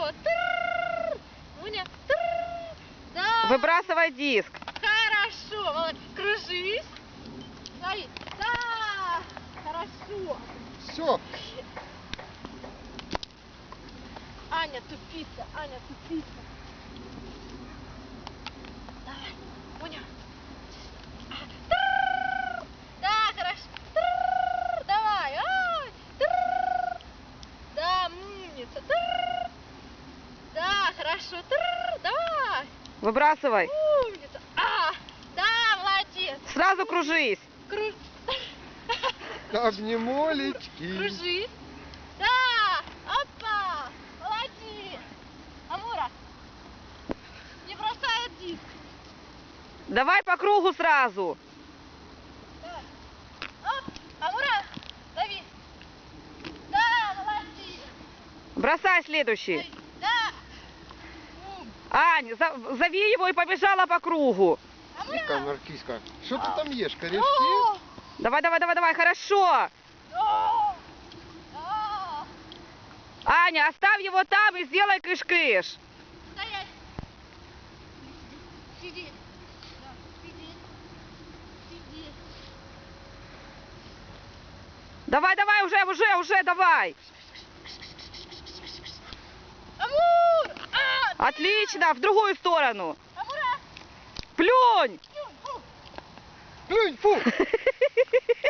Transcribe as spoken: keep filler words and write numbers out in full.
Хорошо. Тырррр. Муня. Тырррр. Да. Выбрасывай диск. Хорошо. Молодец. Кружись. Смотри. Да. Хорошо. Все. Аня тупица. Аня тупица. Давай. Муня. Тырррр. Да, хорошо. Тырррр. Давай. Ай. Тырррр. Да, умница. Тырррр. Да, хорошо. Тырррр. Давай. Выбрасывай. Умница. А, да, молодец. Сразу кружись. Кру... Обнимолечки. Кружись. Да. Опа. Молодец. Амура. Не бросает диск. Давай по кругу сразу. Давай. Оп. Амура. Лови. Да, молодец. Бросай следующий. Лови. Да. Ум. Ань, за- зови его и побежала по кругу. Киска, Амура. Маркиска. Что ты там ешь, корешки? О. Давай, давай, давай, давай, хорошо. О. Да. Аня, оставь его там и сделай кыш-кыш. Стоять. Сидеть. Да. Сидеть. Сидеть. Давай, давай, уже, уже, уже, давай. Амур! А, Отлично, в другую сторону. Амура! Плюнь. Фу, фу. Плюнь, фу!